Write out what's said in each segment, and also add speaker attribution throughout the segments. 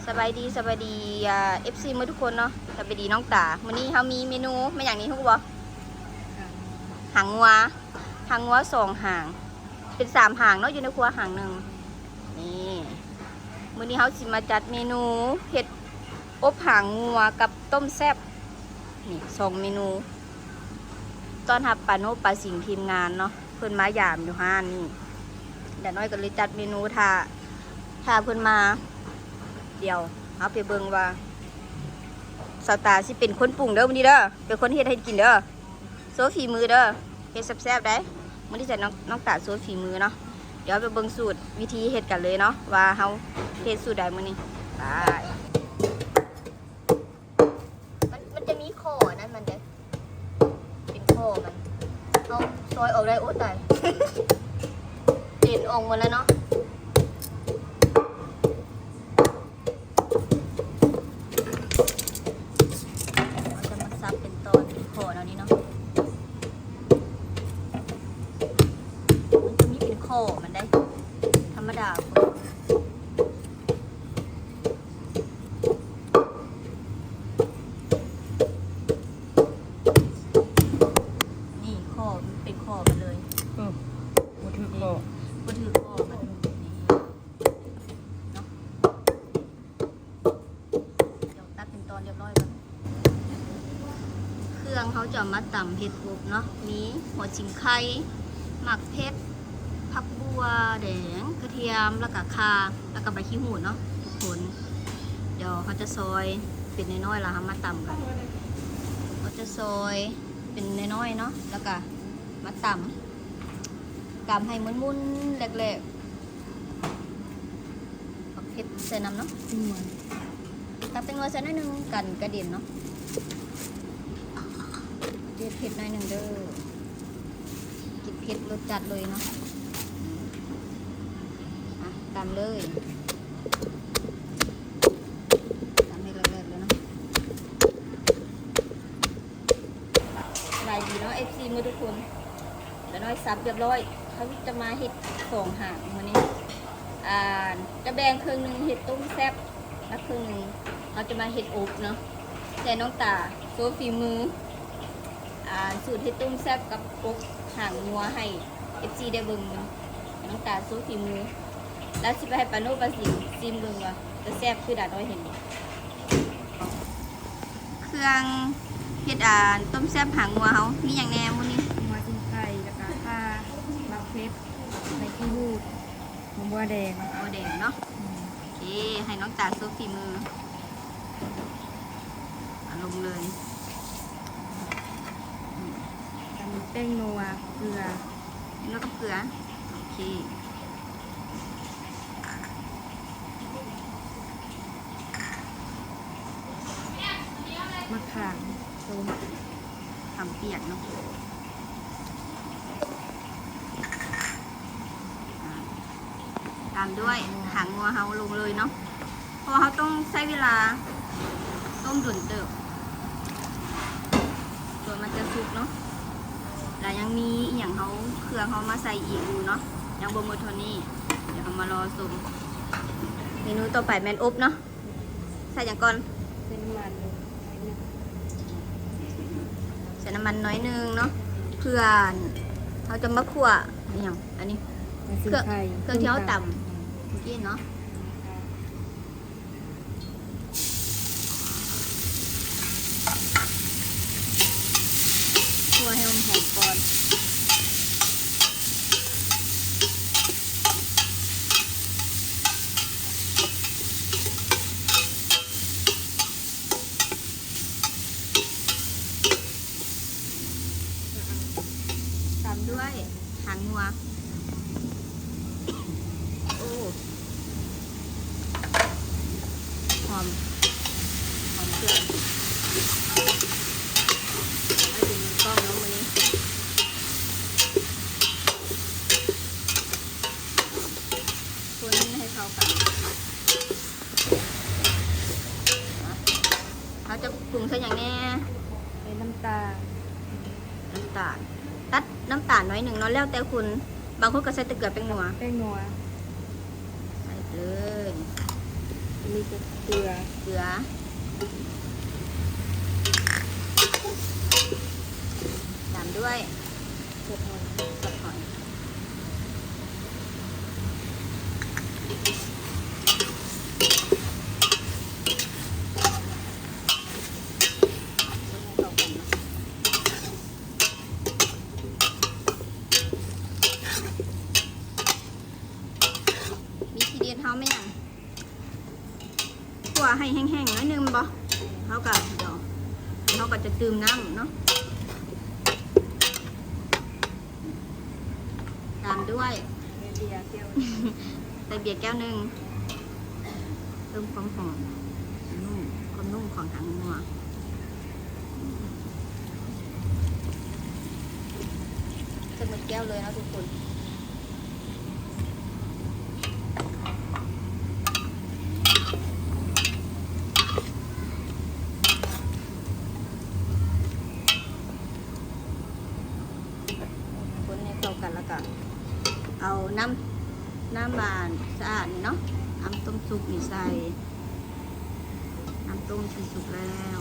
Speaker 1: สบายดีFC มื้อทุกคนเนาะสบายดีน้องตามื้อนี้เขามีเมนูมาอย่างนี้ทุกบ่หางงัว2 หางเป็น3 หางเนาะอยู่ในครัวหางหนึ่งนี่มื้อนี้เขาสิมาจัดเมนูเห็ดอบหางงัวกับต้มแซ่บนี่2 เมนูตอนรับปาโนปาสิงทีมงานเนาะเพิ่นมายามอยู่ห้านนี่เดี๋ยวน้อยก็เลยจัดเมนูถ้าเพิ่นมาเดี๋ยวเอาไปเบิ่งว่าสาวตาสิเป็นคนปรุงเด้อมื้อนี้เด้อเป็นคนเฮ็ดให้กินเด้อโซฝีมือเด้อเฮ็ดแซ่บๆได้มื้อนี้จะน้องตาโซฝีมือเนาะเดี๋ยวไปเบิ่งสูตรวิธีเฮ็ดกันเลยเนาะว่าเฮาเฮ็ดสูตรใดมื้อนี้ไปมันจะมีข้อนั่นมันเด้อเป็นข้อมันเอาซอยออกได้โอ้ตายเด่นออกหมดแล้วเนาะมันได้ธรรมดาคนนี่ข้อมันเป็นข้อมันเลย
Speaker 2: บ่ถือข้อ
Speaker 1: มันนี่เนาะเดี๋ยวตัดเป็นตอนเรียบร้อยก่อนเครื่องเขาจะมาตำเห็ดบุบเนาะมีหัวชิงไข่หมักเพชรผักบัวแดงกระเทียมแล้วก็ข่าแล้วก็ใบขี้หูดเนาะทุกคนเดี๋ยวเขาจะซอยเป็นน้อยๆแล้วมาตำกันเขาจะซอยเป็นน้อยๆเนาะแล้วก็มาตำให้มุนๆแหลกๆผักเผ็ดใส่น้ำเนาะตักเป็นว่าใส่น้อยนึงกันกระเด็นเนาะเด็ดเผ็ดหน่อยนึงเด้อกินเผ็ดรสจัดเลยเนาะตามเลยตามให้เลิศๆเลยเนาะลายดีเนาะ FC มือทุกคนแล้วน้อยซับเรียบร้อยเขาจะมาเห็ด2 หางวันนี้จะแบ่งครึ่งนึงเห็ดต้มแซ่บและครึ่งนึงเขาจะมาเห็ดอบเนาะแต่น้องตาโซฝีมือสูตรเห็ดต้มแซ่บกับอบหางงัวให้ FC ได้เบิ่งน้องตาโซฝีมือแล้วสิไปให้ปาโนปาสิซิมเบิ่งว่าจะแซ่บคือดาน้อยเห็นเครื่องเฮ็ดต้มแซ่บหางงัวเฮามีอย่างแน่มื้อนี้
Speaker 2: หัวจิ้งไก่แล้วก็ข่าหมักเพชรใบขี้หูดมะม่วงแดง
Speaker 1: เนาะโอเคให้น้องตาซุปฝีมือลงเลย
Speaker 2: ทำแป้งนัวเกลือ
Speaker 1: แล้วก็เกลือโอเค
Speaker 2: มะขามส้ม
Speaker 1: ทำเปียกเนาะตามด้วยหางงัวเฮาลงเลยเนาะเพราะเขาต้องใช้เวลาต้มดุนเติบตัวมันจะสุกเนาะแต่ยังมีอย่างเขาเครื่องเขามาใส่อีกอยู่เนาะยังบ่หมดเท่านี้เดี๋ยวเรามารอชมเมนูต่อไปแมนอบเนาะใส่อย่างก่อน
Speaker 2: เป็นมัน
Speaker 1: ใส่น้ำมันน้อยนึงเนาะเพื่อเขาจะมาคั่วอย่างอันนี้เครื่องที่เขาต่ำกินเนาะคั่วให้มันหอมก่อนด้วยหางงัวโอ้หอมเครื่องไม่ถึงกล้องแล้ววันนี้คนให้เข้ากันเราจะปรุงใส่อย่างแน่
Speaker 2: เป็นน้ำตาล
Speaker 1: ตัดน้ำตาลน้อยหนึ่งเนาะแล้วแต่คุณบางคนก็ใส่ตะเกียบแป้งนัว
Speaker 2: ใส่เลย
Speaker 1: มี
Speaker 2: เกลือ
Speaker 1: เกลือตามด้วย
Speaker 2: เกลือทอด
Speaker 1: สดหอยมีทีเดียนเท้าไหมยังขั่วให้แห้งๆหน้อยนึงบ่เท่ากับเดี๋ยวเขาก็จะตื่มน้ำเนาะตามด้วย
Speaker 2: เบียร์เกี๊ยว
Speaker 1: ใส่เบียร์แก้วหนึ่งเติมความหอมนุ่มความนุ่มของหางงัวจะหมดแก้วเลยนะทุกคนคนให้เข้ากันแล้วก็เอาน้ำบานสะอาดนี่เนาะน้ำต้มซุปนี่ใส่น้ำต้มที่สุกแล้ว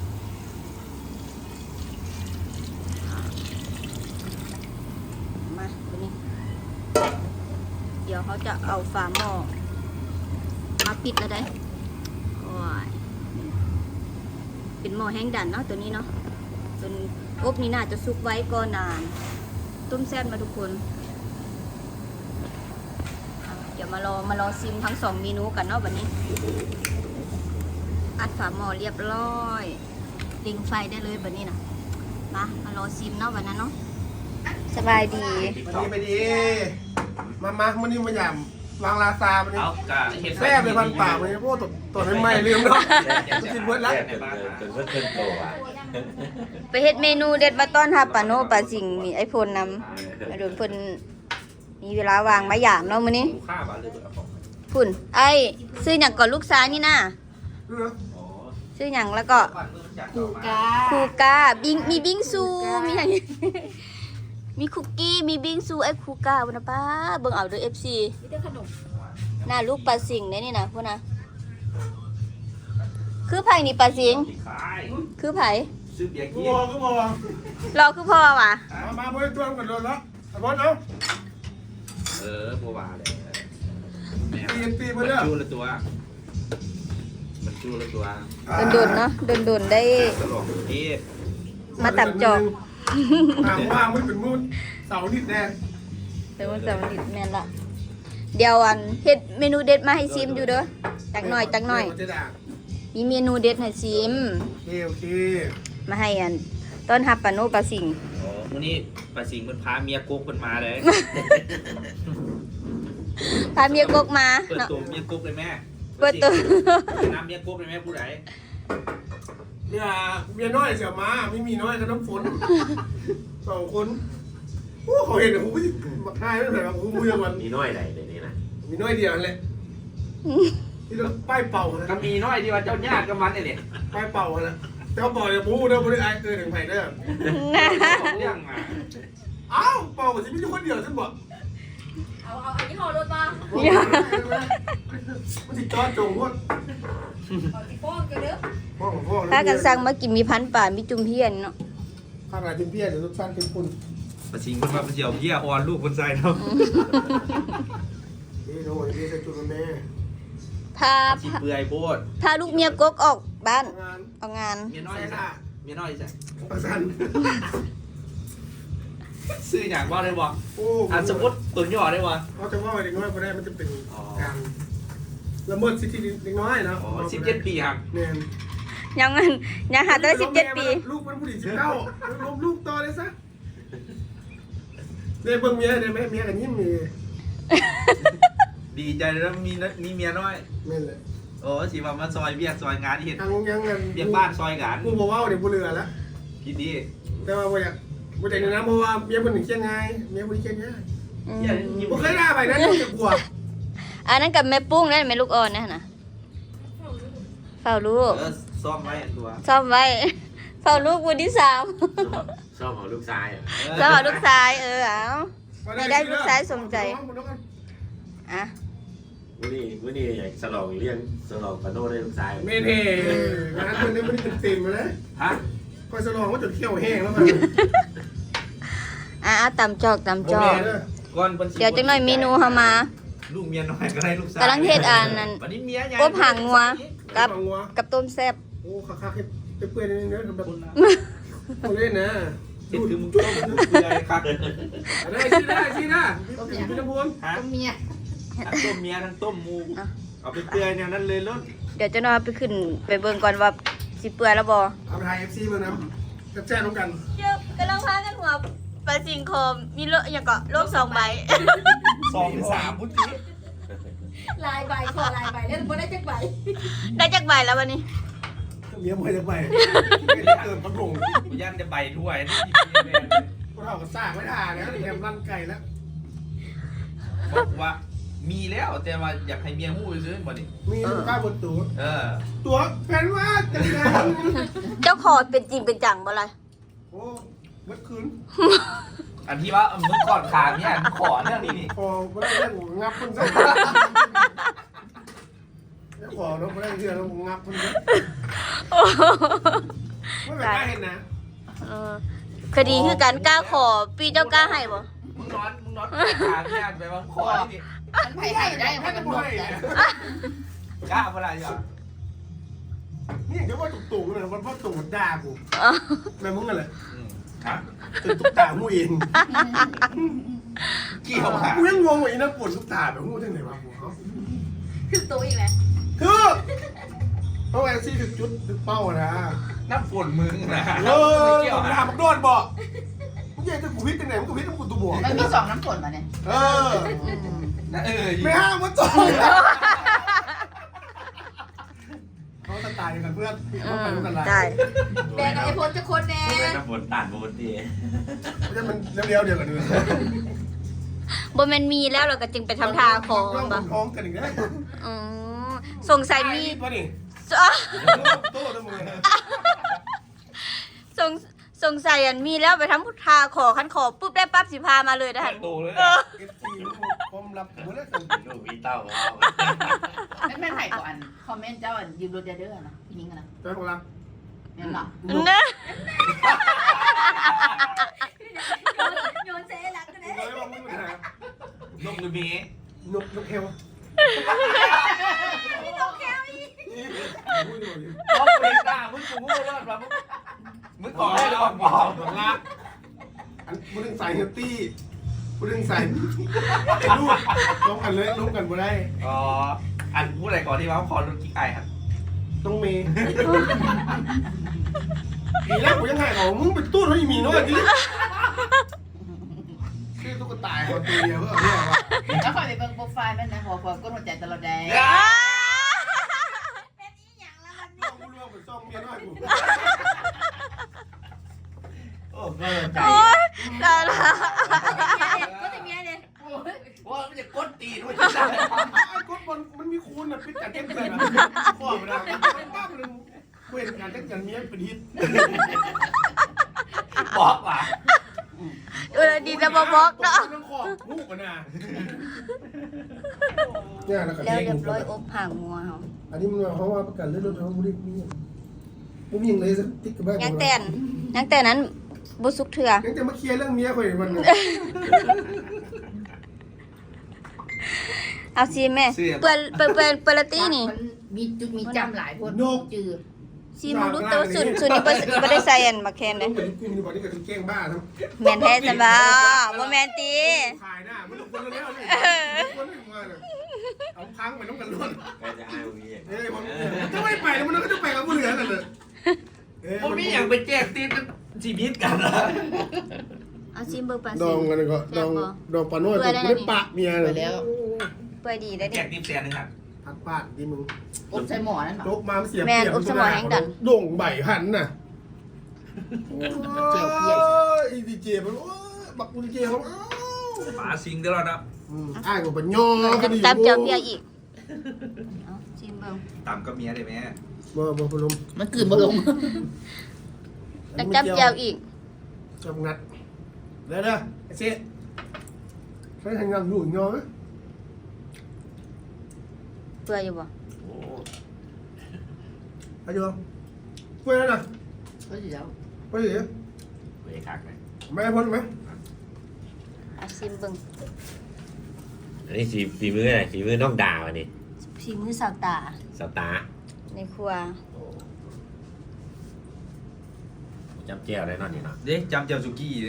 Speaker 1: มาตัวนี้เดี๋ยวเขาจะเอาฝาหม้อมาปิดแล้วได้โอ้ยเป็นหม้อแห้งดันเนาะตัวนี้เนาะจนอบนี่น่าจะซุกไว้ก็นานต้มแซ่บมาทุกคนเดี๋ยวมารอซิมทั้ง2เมนูกันเนาะวันนี้อัดฝาหม้อเรียบร้อยติงไฟได้เลยแบบนี้นะมารอซิมเนาะวันนั้นเนาะสบายดี
Speaker 3: ไปดีมามันนี่มาหย่ำวางลาซามันนี่
Speaker 4: เอากะเห็ด
Speaker 3: แซ่บเลยพันปากมันนี่พวกตัวไม่ไหม้ลืมเนาะกินเบิดละ
Speaker 4: จนเพิ่นโตอ่ะ
Speaker 1: ไปเฮ็ดเมนูเด็ดมาต้อนรับปาโนปาสิงมีไอโฟนนำมาโดนเพิ่นมีเวลาวางมาหยามเนาะมื้อนี้
Speaker 4: ลูกค้าบ้านเลยเบิดเอาของ
Speaker 1: พุ่นไอ้ซื้อหยังก่อนลูกซ้ายนี่นะ
Speaker 4: อ๋อ
Speaker 1: ซื้อหยังแล้วก็
Speaker 4: บ้านเมืองจาก
Speaker 2: กู
Speaker 4: ต่อ
Speaker 2: า
Speaker 4: มาก
Speaker 1: คูกามีบิงซูมีหยัง มีคุกกี้มีบิงซูไอ้คูกาบ่นะป้าเบิ่งเอาเด้อ FC
Speaker 2: มีแต่ขนม
Speaker 1: หน้าลูกปลาสิงได้นี่นะพุ่นนะคือไผนี่ปลาสิง
Speaker 4: ขาย
Speaker 1: คือไผ
Speaker 4: ซื้อเบียร์
Speaker 3: กู
Speaker 4: กิน
Speaker 3: บอกกูบอก
Speaker 1: เราคือพ่อว่ะ
Speaker 3: มาบริตัวกันโดนแล้วสมมติเอา
Speaker 4: บัววาเลย
Speaker 3: ตี
Speaker 4: มั
Speaker 3: มาน เด้อ
Speaker 4: จูละตัวมันจูละตัว
Speaker 1: โดนๆเนาะโดนๆได้
Speaker 4: ตลกนี่
Speaker 1: มาตับจอก
Speaker 3: ว่างไม่เป็นมืดเสาร์นิดแดง
Speaker 1: แต่ว่าจะมันดิแม่นละเดี๋ยวอันเฮ็ดเมนูเด็ดมาให้ซิมอยู่เด้อจักหน่อย
Speaker 3: จะด่า
Speaker 1: มีเมนูเด็ดให้ซิม
Speaker 3: โอเค
Speaker 1: มาให้อันต้อนรับปาโนปลาสิง
Speaker 4: อ๋อมื้อนี้ปลาสิงมันพาเมียกุ๊กมันมาเลย
Speaker 1: พาเมียกกมา
Speaker 4: เปิด
Speaker 1: เนาะ
Speaker 4: ตัวเมียกุ๊กเลยแม่
Speaker 1: เปิดตัว
Speaker 4: น้ำเมียกุ๊กเลยแม่ผู้ใด
Speaker 3: เนี่ยเมียน้อยเสียมาไม่มีน้อยกับน้ำฝน2 คนโอ้เขาเห็นกูมาทายไม่ไหนกูมือมัน
Speaker 5: มีน้อยไหนในนี้นะ
Speaker 3: มีน้อยเดียวนั่นแหละที่เราป้ายเป่านะ
Speaker 4: ก็มีน้อยที่ว่าเจ้าญาติกับมันเนี่ย
Speaker 3: ป้ายเป่านะเจ้าบอกอย่าบู๊เด้อบริไอเกินถึงไผ่เด้อ
Speaker 4: เรื่องมา
Speaker 3: เอ้าเป่าสิมีคนเดียวฉันบอก
Speaker 2: เอาอันนี้ห่อรถมา
Speaker 3: มันติดจอดจงพวด
Speaker 2: เอาที่ป้อนกันเด้อ
Speaker 3: พ่อของพ่อ
Speaker 1: ถ้ากันสั่งมากินมีพันป่ามีจุ่มเพียนเนาะ
Speaker 3: ข้างหลังเป็นเพี้ยเดี๋ยวทุกท่านเป็นคุณ
Speaker 4: ปลาสิงมันมาเป็นเดี่ยวเยี่ยอ่อนลูกคนใส่เนาะ
Speaker 3: นี่โน่นนี่ใส่จุดแม่
Speaker 1: พา
Speaker 4: สิเปื่อยโพด
Speaker 1: พาลูกเมียกกออกบ้าน
Speaker 3: งาน
Speaker 1: ออกงาน
Speaker 4: เมียน้อยจ้ะเมียน้อยจ้ะ
Speaker 3: ประสัน
Speaker 4: ซื้ออย่างว่าได้บ่
Speaker 3: โอ้
Speaker 4: อันสมมติตุนย่อได้บ่
Speaker 3: เขาจะว่าเด็กน้อยคนแรกมันจะเป็นการละเมิดสิทธิเด็กน้อยนะ
Speaker 4: อ๋อ17 ปีครับ
Speaker 3: เนี่ย
Speaker 1: ยังหาได้17 ปี
Speaker 3: ลูกมันผู้หญิง19ล้มลูกต่อเลยซะเนี่ยเบิ่งเมียเนี่ยแม่เมียกันยิ้มนี่
Speaker 4: ดีใจแล้วมีเมียน้อย
Speaker 3: นี่แหละ
Speaker 4: โอ้สิว่ามาซอยเบียกซอยงานที่เห็น
Speaker 3: ทางยังเงิน
Speaker 4: เบียกบ้านซอยงาน
Speaker 3: กูบอกว่าเดี๋ยวกูเรือแล้ว
Speaker 4: คิดดี
Speaker 3: แต่ว่าบ่อยากบ่ได้นะเพราะว่าเมียคนหนึ่งเชียงไงเมียคนนี้เชียงไง
Speaker 1: อืม
Speaker 3: บ่เคยได้ไปนั้นต้องจะกลัว
Speaker 1: อันนั้นกับแม่ปุ้งนั่นแม่ลูกอ่อนนะเฝ้าลูก
Speaker 4: ซ่อมไว้ตัว
Speaker 1: ซ่อมไว้ เฝ้าลูกวันที่3
Speaker 5: ชอบของลูกชายอ่ะ
Speaker 1: แล้วเอาลูกชายเอา ได้ลูกชายสมใจ อ่ะ
Speaker 5: มื้อนี้อยากฉลองเลี้ยงฉลองปาโน่ได้ลูกชาย
Speaker 3: เมเท่งานคนนี้ไม่ได้เต็มเลย
Speaker 4: ฮะ
Speaker 3: คอยสลองว่าจนเขี้ยวแห้งแล้วมัน
Speaker 1: ตำจอกตำจอก
Speaker 4: ก่อนพิ่นสิ
Speaker 1: เดี๋ยวจังหน่อยเมนูเฮามา
Speaker 4: ลูกเมียน้อยก็ได้ลูกสาว
Speaker 1: กำลังเฮ็ดอันนั้น
Speaker 4: วันนี้เมียใหญ่
Speaker 1: อบหางงัวกับ
Speaker 3: งัว
Speaker 1: กับต้มแซ่บ
Speaker 3: โอ้คักๆให้เปื่อยๆนิดนึงนะแบบ
Speaker 4: คุณนะ
Speaker 3: คนเล่นนะ
Speaker 4: เฮ็ดคือมึงต้มเปื่อยครับ
Speaker 3: ได้ชี้ได้พี่น้ำพน
Speaker 4: ฮะ
Speaker 2: เมีย
Speaker 4: ทั้งต้มเมียทั้งต้มหมูเอาไปเปื่อยแนวนั้นเลยล้น
Speaker 1: เดี๋ยวจังหน่อยไปขึ้นไปเบิ่งก่อนว่าสิเปื่อยแล้วบ่
Speaker 3: เอาไปถ่าย FC มานะแจ้งกัน
Speaker 1: เดี๋ยวกำลังพากันหัวปลาสิงโคมมีโลอย่างก็โลก2 ใบ
Speaker 4: 2-3พุทธิ
Speaker 2: ลายใบขอลายใบแล้วบ่ได้จักใบ
Speaker 1: ได้จักใบแล้ววันนี้
Speaker 3: เมียมวยจะไปเติมกระพง
Speaker 4: กูย่านจะใบถ้วยนี่
Speaker 3: ก็เท่ากับซากไม่ทานนะแถมรันไก่แล้ว
Speaker 4: บอกว่ามีแล้วแต่ว่าอยากให้เมียหู้ซื้อบ่นี่
Speaker 3: มีลูกค้าบนตัว ตัวแฟนว่าจะได้
Speaker 1: เจ้าขอเป็นจริงเป็นจังบ่ล่ะ
Speaker 3: โอ้เมื่อคืน
Speaker 4: อันที่ว่ามึงก่อนขาเนี่ยขอเรื่องนี้นี่
Speaker 3: พอไม่ได้เรื่องงับคนซะแล้วขอเนาะไม่ได้เรื่องแล้วงับคนซะไม่แบบได้เห็นนะ
Speaker 1: เออคดีคือการกล้าขอปีเจ้ากล้าให้บ่
Speaker 4: มึงนอนขาเนี่ยไปว่าขอนี่
Speaker 2: มันไผให้ได้มันก็บ่ได้
Speaker 4: กล้าเวลาอยู่
Speaker 3: นี่เดี๋ยวว่าตุ่งๆเลยมันพ่อตุ่งด่ากูแม่มึงอะไร
Speaker 4: ครับ
Speaker 3: เป็นตุ๊กตามูเอง
Speaker 4: เกี่ยวหา
Speaker 3: กูยังงงว่าอีนั่นปวดตุ๊กตาแบบงูที่ไหนวะกูเขา
Speaker 2: คือตัวอีกแล้ว
Speaker 3: คือเพราะแอนซี่ถึงจุดถึงเป้านะ
Speaker 4: น้ำฝนมึงนะ
Speaker 3: เออ
Speaker 4: เกี่ยว
Speaker 3: มัน
Speaker 4: หา
Speaker 3: ทำมันโดนบอกมึงอยากจะกูพิษยังไงมึงก็พิษมึงกูตัวบวก
Speaker 2: มันมี2น้ำฝนมาเนี่ย
Speaker 3: เออ
Speaker 4: ไม่
Speaker 3: ไม่ห้ามมันจบเขาจะตายกันเพื่อนเขาไปกันละ
Speaker 1: ได้
Speaker 2: แดงไอ้พลจะคนแน่
Speaker 5: น้ำฝนตัดบนดี
Speaker 3: เพราะมันเลี้ยวๆเดียวกันเลย
Speaker 1: บ่แม่นมีแล้วเราก็จึงไปทำทาขอ
Speaker 3: ต้อง
Speaker 1: บ่
Speaker 3: ท้องกันอีกแล้ว
Speaker 1: อือสงสัยมี
Speaker 3: ป่ะนี่
Speaker 1: อ่ะ
Speaker 3: โต้ทั้งมือ
Speaker 1: สงสัยอันมีแล้วไปทำพุทธาขอคันขอปุ๊บได้ปั๊บสิพามาเลยนะ
Speaker 4: ได้
Speaker 1: ฮะ
Speaker 4: โตเลย
Speaker 3: เอฟซีความลับหมดแล้ว
Speaker 5: ลูกพี่เต้าเอา
Speaker 2: แม่นไผก่อนคอมเมนต์เจ้าอันยืมรถเด้อนะพี่นิ้งนะ
Speaker 3: แต่ของเรา
Speaker 2: แม่นบ่
Speaker 1: นะ
Speaker 2: โยนเซลักก็ได้
Speaker 3: เลยว่ามึงเป็นอะไร
Speaker 4: นกหรือเมีย
Speaker 3: นกเฮล
Speaker 4: ต้องเป็นหน้ามึงกูพูดว่าแบบมึงขอให้เราบอก
Speaker 3: ของรักอันมึงใส่เฮลตี้มึงใส่ลูกล้มกันเลยล้มกันบ่ได้
Speaker 4: อ๋ออันพูดอะไรก่อนที่ว่าขอรถกิ๊กไอครับ
Speaker 3: ต้องเมย์ทีแรกกูยังไงของมึงเป็นตู้เขาอีมีน้อยดิชื่อตุ๊กตาเขาตัวเดียวเพื่อเรียกว่า
Speaker 2: แล้วคอยไปเบิ่งโปรไฟล์มันนะหัวก็หัวใจตลอดแดง
Speaker 3: น้องกูเรื่องเป็นซ่องเมียน้อยกู
Speaker 4: โอ้เกินใจ
Speaker 1: โอ๊ยตายละ
Speaker 2: ก็จะเมียเนี่ย
Speaker 4: ว่ามันจะกดตีด้วย
Speaker 3: ไอ้กดบอลมันมีคูณอ่ะพิจารณาเต็มเลยนะข้อเวลาเป็นบ้าเป็นเว้นการจัดการเมียเป็นฮิต
Speaker 4: บอกว่า
Speaker 1: ดีจะมาบอกเนาะ
Speaker 3: ต้องขอบงูกันนะเนี่ยแล้วก็
Speaker 1: แล้ว
Speaker 3: เลี้
Speaker 1: เรี
Speaker 3: ย
Speaker 1: ย
Speaker 3: ง
Speaker 1: บร้อยอบห่างงัวเฮา
Speaker 3: อันนี้มันเขาว่าประกันเรื่องรถเขาไม่ได้มีผมยิงเลยสักติ๊กกับแม่
Speaker 1: ยังแต่นั้นบ่สุกเถื่อ
Speaker 3: ยังจะมาเคลียร์เรื่องเมียคนมัน
Speaker 1: เอาซีแม่เปิดละตี้นี่
Speaker 2: มันมีจุดมีจำหลายคนจือ
Speaker 1: ซีมึงรู้แต่ว่าสุดนี้บ่ได้ใส่อันมาแคนเลย
Speaker 3: เหมือนกูมีบอกนี่กับแกล้งบ้าทั้ง
Speaker 1: แม่นแท้จังบ่บ่แม่นติ
Speaker 3: ขายหน้ามันคนแล้วเลยคนไม่มาเลยเอาค้างไปต้องกันล้วน
Speaker 5: ก็จะให้วี
Speaker 3: เอ้ยมันจะไม่ไปแล้วมันก็จะไปกับผู้เหลือกันเลย
Speaker 4: ผมนี่อยากไปแจกตีนชีวิตกันนะ
Speaker 1: เอาซีเบิ่งปลา
Speaker 3: ด
Speaker 1: ซิ
Speaker 3: องกันก็ดองปลาโน้ตไม่ได้ปะเมียเลย
Speaker 1: เปื่อยดีได้
Speaker 4: แจ
Speaker 1: ดิ
Speaker 4: กตีนแสนนึงครับ
Speaker 3: พัดปาดดีมึง
Speaker 2: อบใส่หมอนั่น
Speaker 3: โล
Speaker 2: บ่
Speaker 3: กมาเสียโด่งใบหันน่ะอีดีเจมันบักดีเจเขา
Speaker 4: หมาสิงตลอดนะ
Speaker 3: อ้ายกว่าปัญญาก็ดี
Speaker 1: ตับเจียวเปียอีกเอาซีเบิ่ง
Speaker 4: ตามกับเมียได้ไหม
Speaker 3: บ่พลม
Speaker 2: มันกลืนบ่ลง
Speaker 1: ตับเจียวอีก
Speaker 3: จำงัดเด้อไอ้เจ๊ใช้ทางงานอยู่ยอไหม
Speaker 1: เปื่อยอยู่บ่
Speaker 5: โอ้
Speaker 3: อายุเพื่อนนะ
Speaker 6: có gì đâu
Speaker 3: ไปสิ
Speaker 5: เวคักเลย
Speaker 3: ไม่พ้นไหม
Speaker 1: อาซิมเบิ่ง
Speaker 5: อันนี้ฝีมืออะไรฝีมือน้องดาวอันนี้
Speaker 1: ฝีมือสาวตา
Speaker 5: สตาร์
Speaker 1: ในครัว
Speaker 5: จำเจียวได้นอนนี่เนาะ
Speaker 4: เด้จำเจ้าสุกี้เลย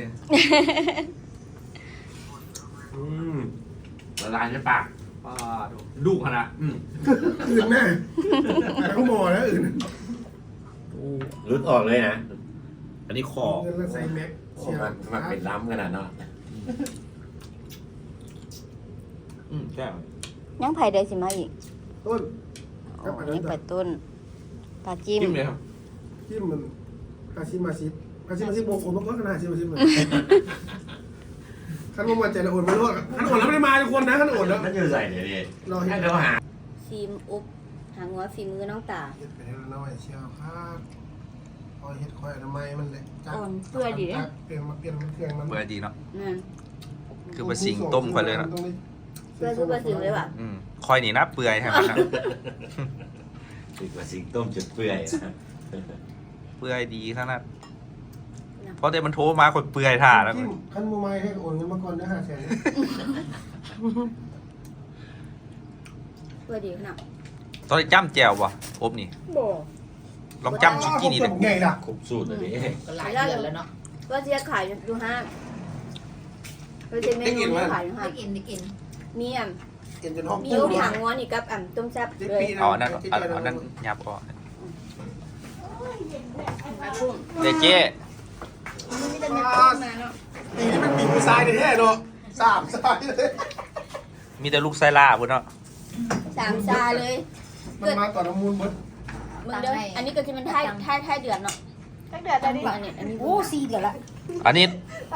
Speaker 5: ละลายในปาก
Speaker 4: ป้าดูลูกขนาด
Speaker 3: อื่นแน่แต่เขาหมอแล้วอื่น
Speaker 5: รุดออกเลยนะ อันนี้คอ
Speaker 3: เงินแล้วใส่แม็ก
Speaker 5: โอ้มันเป็นล้ำขนาดเนาะ
Speaker 4: แก้ว
Speaker 1: ยังไผ่ได้สิมาอีก
Speaker 3: ต้น
Speaker 1: โอ้ยังไปต้นปลาจิ้ม
Speaker 4: จิ้มเลยครับ
Speaker 3: ที่มันอาชิมาชิโบกโอนมาก่อนขนาดอาชิมาชิเลยขั้นมาใจละโอนไม่รอดขั้นโอนแล้วไม่ได้มาทุกคนนะขั้นโอนแล้ว
Speaker 5: มันอยู่ใส่เนี่ยดิ
Speaker 3: รอเห็
Speaker 5: ให้
Speaker 3: น
Speaker 5: เขาหา
Speaker 1: ฟิล์มอุบหางหัวฝีมือน้องตา
Speaker 3: เห็ดไปแล้วน้อยเชียวครับคอยเห็ดคอยทำไมมันเลยเปลี่ยนมาเปลี่ยนมันเครื่องมัน
Speaker 4: เบื่อดีเนาะ
Speaker 1: นั่น
Speaker 4: คือปลาสิงต้มไปเลยนะ
Speaker 1: เพื่อคือปลาสิงเลยว่ะ
Speaker 4: คอยหนีนะเปื่อยให้มันนะ
Speaker 5: ถึงว่าสิงต้มจนเปื่อยนะ
Speaker 4: เปื่อยดีขนาดเพราะเดี๋ยวมันโทรมาคนเปื่อยถ่าแล้ว
Speaker 3: ขั้นโมไมให้โอนเงินมาก่อนนะ500,000
Speaker 1: เพื่อดีขนาด
Speaker 4: ตอนนี้จ้ำแจวป่ะอบนี่
Speaker 1: บ่
Speaker 4: ลองจ้ำสุกี้นี่เลย
Speaker 3: ไงล่ะ
Speaker 5: ครบสูตรเลยดิ
Speaker 6: có lại giờ là nó
Speaker 1: ว่าจะขายอยู่ห้างว่าจะเมนูที่ขายอยู่ห้าง
Speaker 6: đi in
Speaker 1: มีอ่ะ
Speaker 3: เห็นจนห้อง
Speaker 1: มีอุบหางหัวนี่กับต้มแซ่บเลย
Speaker 4: เอาอันนั้นเอาอันนั้นยับออก
Speaker 1: ปลากุ้ง
Speaker 4: เดเจ๊
Speaker 1: มันมีแต่เนื้อกุ้งมาเนาะ
Speaker 3: ตีมันตีมือซ้ายแท้เนาะ3ซ้ายเลย
Speaker 4: มีแต่ลูกไซล่าพุ่นเนาะ
Speaker 1: 3 ซาเลย
Speaker 3: มันมาต่อน้ำมูลหมด
Speaker 1: มึงเด้ออันนี้ก็จะเป็นท้ายเดือนเนาะท้ายเดือนได้ดิอันนี้
Speaker 6: ô xì được lại
Speaker 4: อันนี้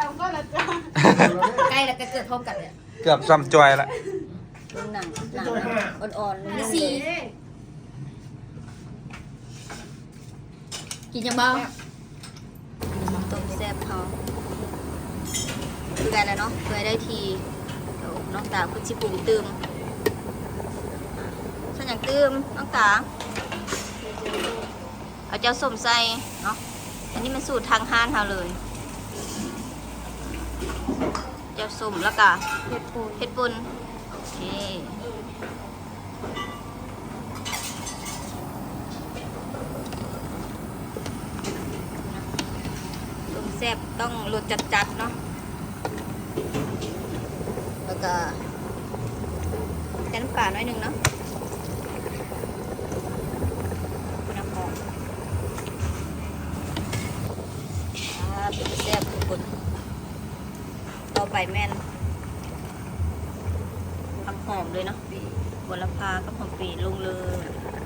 Speaker 6: cây là cái cửa thơm cả đấy
Speaker 4: เกือบซ้ำจอยละ
Speaker 1: เป็นหนังอ่อนๆเลย
Speaker 6: xì กินยังบ้าง
Speaker 1: ต้มแซ่บเขาคือกันแล้วเนาะเพื่อได้ทีเดี๋ยวน้องตาคุณชิปรุงตืมส่วนอย่างตืมน้องตาเอาเจ้าส้มใส่เนาะอันนี้มันสูตรทางห้านเขาเลยเจ้าส้มแล้วก็เห็ดปุ่นโอเคต้มแซ่บต้องรสจัดๆเนาะแล้วก็น้ำปลาหน่อยหนึงเนาะน้ำหอมต้มแซ่บทุกคนต่อไปแม่นผักหอมเลยเนาะบัวละพากับหอมปีลงเลย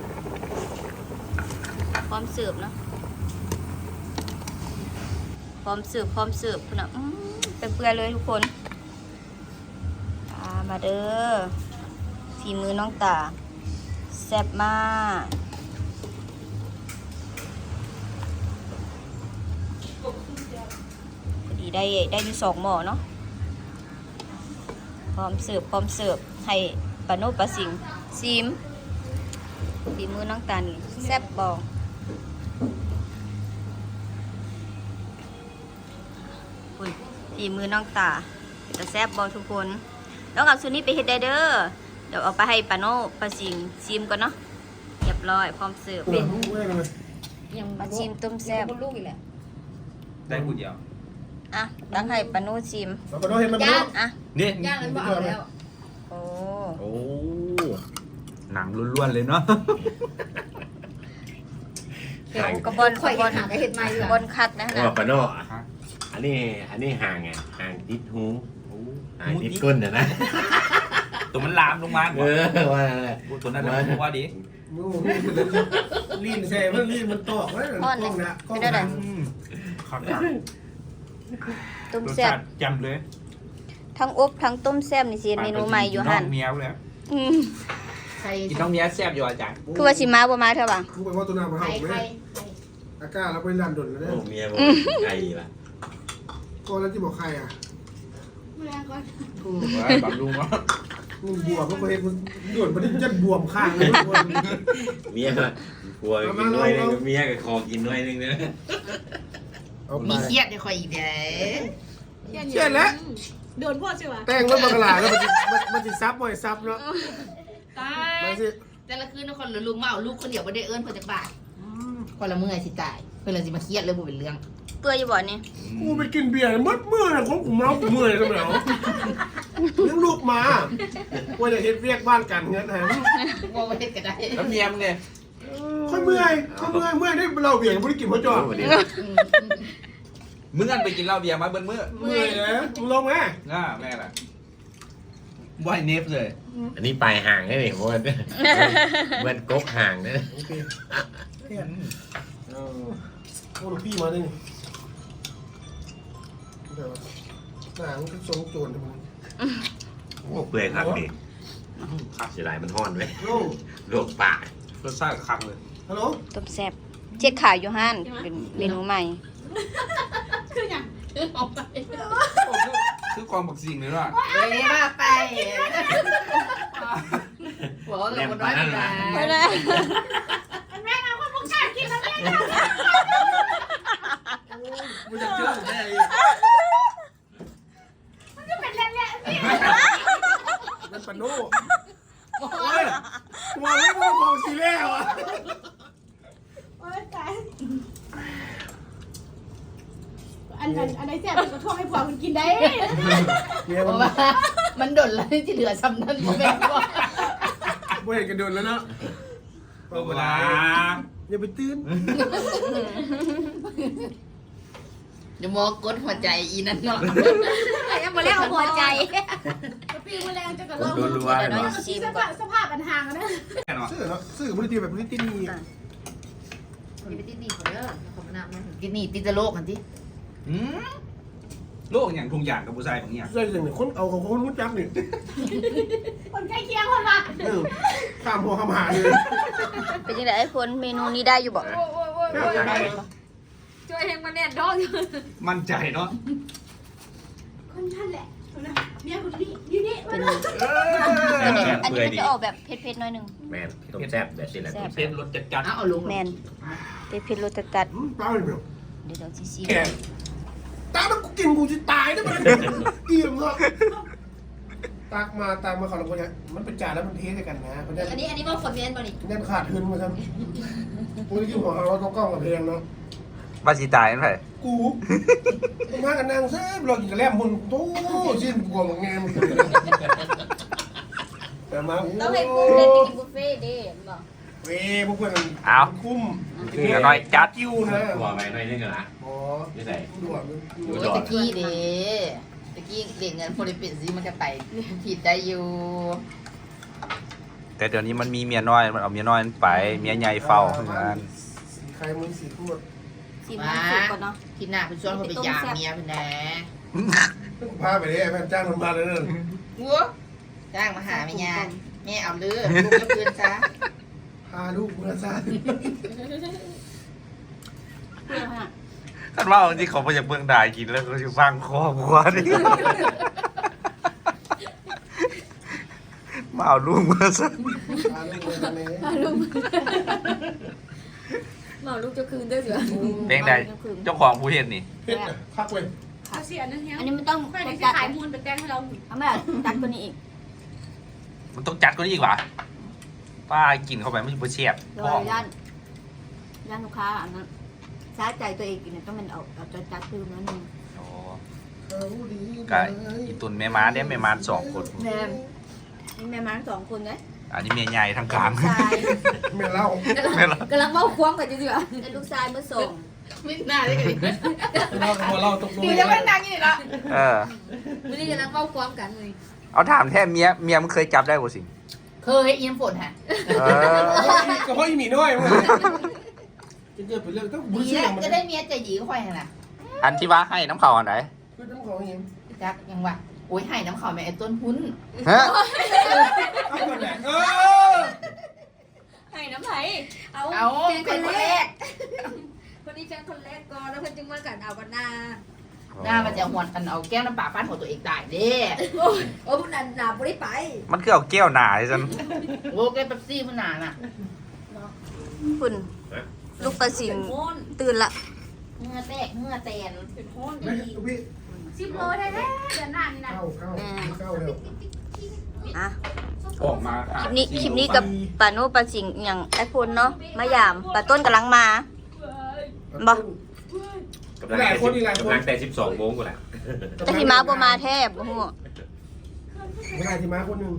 Speaker 1: พร้อมเสิร์ฟเนาะพร้อมเสิร์ฟคุณอ่ะเป็นเปื่อยเลยทุกคนมาเด้อฝีมือน้องตาแซ่บมากพอดีได้อยู่2 หม้อเนาะพร้อมเสิร์ฟให้ปาโนปลาสิงซิมฝีมือน้องตานี่แซ่บบ่คุณฝีมือน้องตาจะแซ่บบ่ทุกคนแล้วเอาสูตรนี้ไปเฮ็ดได้เด้อเดี๋ยวเอาไปให้ปาโนปลาสิงซิมก่อนเนาะเรียบร้อยพร้อมเสิร์ฟ
Speaker 3: เป็นเว้ยเลย
Speaker 6: ยัง
Speaker 1: มาชิมต้มแซ่บ
Speaker 6: con lúc gì lại
Speaker 4: ได้กูเดียว
Speaker 1: อ่ะตั้งให้ปาโนชิม
Speaker 3: เราก็ต้องเห็นมัน
Speaker 1: อ่ะ
Speaker 4: นี่
Speaker 6: ย่างนั้นบอกแล้ว
Speaker 1: โอ้
Speaker 4: โอ้หนังล้วนๆเลยเนาะ
Speaker 1: เดี๋ยวกระบอน
Speaker 6: ข่อยหาcáiเห็ดใหม่
Speaker 1: ก
Speaker 6: ดี
Speaker 1: ระ
Speaker 6: ก
Speaker 1: บอ
Speaker 6: ว่าน
Speaker 1: คัดนะ
Speaker 5: โอ้
Speaker 1: ฮะ
Speaker 5: ปะโน่อันนี้ห่างไงห่างติดหูห่างติดก้นนะ
Speaker 4: ตัวมันลามลงมา
Speaker 5: ว่าอะไร
Speaker 4: ตัวนั้นว่าดี
Speaker 3: มือลีนแซ่มันลีนมันตอกไว้กล้องนะกล้องนะ
Speaker 4: ครับ
Speaker 1: ต้มแซ่บ
Speaker 4: จำเลย
Speaker 1: ทั้งอบทั้งต้มแซ่บนี่สิเมนูใหม่อยู่หั่น
Speaker 4: เมียวแล้ว
Speaker 1: อืม
Speaker 6: ใคร
Speaker 4: กินน้องเมียแซ่บอยู่อาจารย์
Speaker 1: คือว่าสิมาบ่มาเถอะบ่ะ
Speaker 3: กูไปว่าตัวน้ำมา
Speaker 6: ใคร
Speaker 3: เห่า
Speaker 6: ใคร
Speaker 3: เว้ยอากาศเราไปรันดนแล้ว
Speaker 5: โอ้
Speaker 3: เนี่ย
Speaker 5: เมียบอกไก่ละ
Speaker 3: ก็แล้วที่บอกใครอ่ะ
Speaker 6: มาก่อน
Speaker 4: บำรุงเนาะ
Speaker 3: นี่บวมก็ไปโดนมันจะบวมข้างเลย
Speaker 5: เมียผัวกินน้อยนึงเมียกับคอกินน้อยนึงเนอะ
Speaker 3: เอาไป
Speaker 6: มีเครียดในคอยอีกเด้
Speaker 3: เชื่อแล้ว
Speaker 2: โดนพ่อใช่ไหม
Speaker 3: แต่งรถบังกลาแล้วมันจะซับบ่อยซับเนาะ
Speaker 2: ตาย
Speaker 3: มาสิ
Speaker 6: แต่ละคืนคนละลูกเมาลูกคนเดียวไม่ได้เอิ้นเพื่อจะบาดคนละเมื่อยสิตายเพื่อนเลยสิมาเครียดเลยบ่เป็นเรื่อง
Speaker 1: เปื่อยอยู่บ่นี่
Speaker 3: กูไปกินเบียร์มัดเมื่อยของกูเมากูเมื่อยทำไมเอาเลี้ยงลูกมาว่าจะเฮ็ดเรียกบ้านกันเงี้ยแถม
Speaker 6: ว่าไม่ได้ก็ได้
Speaker 4: น้ำเนียมไง
Speaker 3: ค่อยเมื่อยได้เราเบียร์ไม่ได้กินเพราะจอด
Speaker 4: มึงกันไปกินเหล้าเบียร์มาเบิ้ลมื้อ
Speaker 3: เมื่อยเลยมึงลงไหม
Speaker 4: ง่าแม่ล่ะว่ายเนฟเลย
Speaker 5: อันนี้ปลายห่างได้ไหมเพราะว่าเหมือนกกห่างนะ
Speaker 3: โอเคโอ้ลูกพี่มาได้นี่เดี๋ยวหนังก็ทรงโจรมึง
Speaker 5: โอ้เปื่อยครับดิเสียดายมันห้อนไว้
Speaker 3: โล
Speaker 5: โรคปาก
Speaker 4: รสชาติคักเลย
Speaker 3: ฮัลโหล
Speaker 1: ต้มแซ่บเจ๊ขายอยู่ห้านเป็นเมนูใหม่
Speaker 2: คืออย่าง
Speaker 6: ออกไป
Speaker 4: คือความบักสิ่งเลยว่ะ
Speaker 6: เลยว่าไปหัวเราคนน้อยไป
Speaker 1: ไม่ได้
Speaker 2: แม่เอาคนพวกชาติกินแล้วแม่
Speaker 3: มึงจะเชื่อผมได้ยัง
Speaker 2: มันก็เป็นแหละนี่
Speaker 3: นั่นปะโน่โอ้ยมองไม่มองของสีแล้วอ่ะ
Speaker 2: โอ้ยตายอันไหนแซ่บก็ท่วงให้ผัวมันกินได้
Speaker 3: เนี่ย
Speaker 6: เพ
Speaker 3: มัน
Speaker 6: ราะว่ามันดนแล้วที่เหลือซ้ำนั่นพ่อแม่บอก
Speaker 3: ไม่เห็นกันโดนแล้วเนาะ
Speaker 4: เวลา
Speaker 3: อย่าไปตื่น
Speaker 6: เดี๋ยวมอกดหัวใจอีนั่นเนาะ
Speaker 1: ยังมาเรียกหัวใจ
Speaker 2: ปีแมลงจะกระล
Speaker 5: โดนรัวเลย
Speaker 1: เดี๋ยวน้อย
Speaker 5: เนาะ
Speaker 1: ชิม
Speaker 2: ส
Speaker 1: ก่อน
Speaker 2: ภาพปัญหากันนะ
Speaker 4: แน่นอน
Speaker 3: สื่อเนาะสื่อบริตีแบบบริตีนี่
Speaker 1: อ่ะ
Speaker 6: อย่าไปติดหนีเขาเด้อเขามานับมันติดหนีติดจะโลกกันที่
Speaker 4: อืมโลกอย่างทุงอย่างกับผู้ชายของเนี่ย
Speaker 3: ใช่อย่างนี้คนเอาของคนรู้จักนี่
Speaker 2: คนใกล้เคียงคนละ
Speaker 3: ข้ามหัวข้ามหาเลย
Speaker 1: เป็นยังไงไอ้คนเมนูนี้ได้อยู่บ่
Speaker 2: โอ้ยช่วยเฮงมาแน่นท้อง
Speaker 4: มั่นใจเนาะ
Speaker 2: คนนั่นแหละเนี่ยคนนี้อยู่นี่
Speaker 1: เป็น
Speaker 5: แซ่บแซ่บ
Speaker 1: อัน
Speaker 5: เปื่
Speaker 1: นี้
Speaker 5: อย
Speaker 1: มัน
Speaker 5: ดี
Speaker 1: จะออกแบบเผ็ดๆหน่อยหนึง
Speaker 5: แม่นต้มแซ่บแบบนี้แหละ
Speaker 1: แซ่บ
Speaker 4: เผ็ดรสจัด
Speaker 6: เอาลง
Speaker 1: แมนเผ็ดๆรสจัด
Speaker 3: ตายเลย
Speaker 1: ๆเดี๋ยวสิชิม
Speaker 3: แก่ตายแล้วกูกินกูจะตายได้ไหมเกี่ยมเนาะตากมาขอรับคนนี้มันเป็นจานแล้วมันเทสกันนะมันจะ
Speaker 6: อันนี้ว่าคนเน้นบ่นี่
Speaker 3: ยันขาดทุนมาครับกูจะกินหัวเราต้องกล้องกับเพลงเนาะ
Speaker 4: ๆว่าสีตายนั่นไง
Speaker 3: กูมากันนางแซ่บเรากินกระแลมมุนโต้ชิ้นกลัวมึงแงมแต่มา
Speaker 1: ต้องให้กุ้งเล่นกินบุฟเฟ่ต์เด้บอก
Speaker 3: เว้พวกเพื่อนคุ้ม
Speaker 4: เดี๋ยวน้อยจัด
Speaker 3: กิ้วนะ
Speaker 5: หัวไปหน่อยนึงเหรอ
Speaker 3: อ๋อ
Speaker 5: ไม่ใส่
Speaker 3: ด่วน
Speaker 6: โอ้ยตะกี้เด้ตะกี้เด็กเงินโพลิปินซีมันก็ไปผิดได้อยู่
Speaker 4: แต่เดี๋ยวนี้มันมีเมียน้อยมันเอาเมียน้อยมันไปเมียใหญ่เฝ้าทำงาน
Speaker 3: สีใครมึงสีพูด
Speaker 1: ชิมน้ำซุปก่อนเนาะ
Speaker 6: ที่หน้าคุณชวนเขาไปยามเมียเป็นแน่
Speaker 3: พาไปเลยแม่จ้างคนมาเลยนั่น
Speaker 6: วัวจ้างมาหาเมียแม่เอาเลือลูกก็เพื่อนซะ
Speaker 3: พาลูกเมื่อซา
Speaker 1: เปรี้ยวฮะ
Speaker 4: ท่านว่าจริงๆเขาไปจากเมืองด่ายกินแล้วก็จะฟังคอบัวนี่มาเอาลูกมาซะ
Speaker 3: พาลูกเมื่อซาเนี่ย
Speaker 2: หมอลูกจะคืนด้วยเสือ
Speaker 4: เพลงใดเจ้าของผู้เห็นนี่
Speaker 3: เฮ็ดนะพักเว้ย
Speaker 2: เขาเสียนั่นเฮีย
Speaker 1: อันนี้มันต้อง
Speaker 2: ค่อยได้
Speaker 1: จัด
Speaker 2: ขายมูลเป็นแตงให้เรา
Speaker 1: เอามาจัดตัวนี้อีก
Speaker 4: มันต้องจัดก็นี่อีกวะป้ากินเข้าไปมันจะเฉียบ
Speaker 1: โด
Speaker 4: ท้อย ง
Speaker 1: ย่านลูกค้าอันนั้นใช้ใจตัวเองกินเนี่ยต้องมันเอาจัดๆคือมันนึง
Speaker 4: โอ้
Speaker 3: เขาดี
Speaker 4: กะอีตุนแม่ม้าเนี่ยแม่ม้า2 คน
Speaker 1: แม่นี่แม่มา2 คนไง
Speaker 4: อันนี้เมียใหญ่ทางกลาง
Speaker 1: ชาย
Speaker 3: แม่เล่าก
Speaker 2: ำลังเมาคว้างกันจริงๆอ่ะ
Speaker 1: และลูกชายมาส่ง
Speaker 6: ไม่น่าได้กัน
Speaker 3: เล่าตัวเล่าตกลง
Speaker 6: ดีจะไม่นั่งอยู่นี่ละ
Speaker 4: เออ
Speaker 2: ไม่ได้กำลังเมาคว้างกันเลย
Speaker 4: เอาถามแท้เมียมันเคยจับได้บ่สิ
Speaker 6: เคยเอียมฝนฮะ
Speaker 4: เออ
Speaker 3: ก็เพราะอีหมีน้อยมึงจะเกิดเป็นเรื่องต้องบุญ
Speaker 6: ดี
Speaker 3: เสี่ย
Speaker 6: แล้ว
Speaker 3: งมัน
Speaker 6: จะได้เมียใจหยีก็ค่อยฮะนะ
Speaker 4: อันที่ว่าให้น้ำเขาอันไหน
Speaker 3: คือน้ำของอย่าง
Speaker 6: จักยังว่าโอ้ยให้น้ำขาวแม่ไอ้ต้นหุ้น
Speaker 4: ฮะ
Speaker 3: เอาคนแหละอ
Speaker 2: ให้น้ำไหลเอา
Speaker 6: เอา
Speaker 2: เป็น
Speaker 6: เป็นคนแรก
Speaker 2: คนนี้เป็นคนแรกก่อนแล้วคนจึงมากันเอาวันนา
Speaker 6: หน้ามันจะหวนกันเอาแก้วน้ำปลาฟาดหัวตัวเองตายเด้
Speaker 2: โอ้พวกนั้นหนาบ่ได้ไป
Speaker 4: มันคือเอาแก้วหนาให้ฉัน
Speaker 6: โอ้แก้วเป๊ปซี่มันหนาน่ะ
Speaker 1: คุณลูกปลาสิงตื่นละ
Speaker 6: เหงื่อแตกเหงื่อแตน
Speaker 2: เป็นห้อน
Speaker 3: ไม่
Speaker 2: ดี
Speaker 3: พี่
Speaker 6: 10 โลได้แท้เดือนหน้านี่นะ
Speaker 3: เข้าแล้ว
Speaker 1: อ่ะ
Speaker 4: ออกมา
Speaker 1: คลิปนี้กับปาโน่ปลาสิงอย่างไอ้พลเนาะมายามปลาต้นกำลังมา บ่
Speaker 5: กำลังแต่12 โมงกูแหละ
Speaker 1: แต่ที่มาบ่มาแทบบ่ฮู้
Speaker 3: เวลาที่มาคนหนึ่ง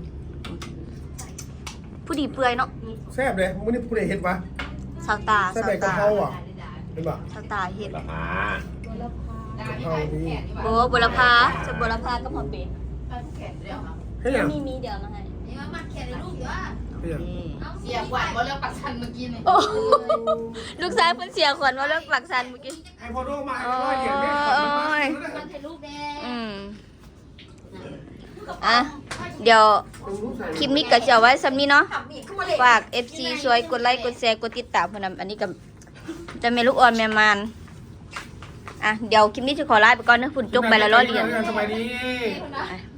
Speaker 1: ผู้ดีเปื่อยเนาะ
Speaker 3: แซ่บเลยมึงนี่ผู้ใดเห็ดวะ
Speaker 1: สาวตา
Speaker 3: แซ่บ
Speaker 1: สาว
Speaker 3: แบบกะ
Speaker 1: ตา
Speaker 3: เพราอ่ะเห็นปะ
Speaker 1: สาวตาเฮ็ด
Speaker 5: ละพา
Speaker 3: กะเพราดี
Speaker 1: โอ้บุรพาจะบุรพากับหมอเป็ด
Speaker 3: ให้ยัง
Speaker 1: มีเดี๋ยวมาให้
Speaker 6: นี่มาแขนในลูกอยู่ว่า
Speaker 3: ให้ยัง
Speaker 1: นี่
Speaker 6: เสียหวานบ่เลิกปักชันเมื่อกี้นี่
Speaker 1: โอ้ลูกชายเพิ่นเสียขวัญว่าเลิกปักสันเมื่อกี้
Speaker 3: ไอพอโดมาร้อยเหรียญไม่ขอมา
Speaker 6: มันถ่ายรูปแดง
Speaker 1: อืมอ่ะเดี๋ยวคลิปนี้ก็จะเอาไว้ซ้ำนี้เนาะ
Speaker 2: ขับมีเข้ามาเลย
Speaker 1: ฝาก FC ช่วยกดไลค์กดแชร์กดติดตามพนำอันนี้กับจะเมลูกอ่อนแม่มานอ่ะเดี๋ยวคลิปนี้จะขอลาไปก่อนนะฝุ่นจกไปแล้วรอเรียน
Speaker 3: สบายดี
Speaker 1: อ่ะ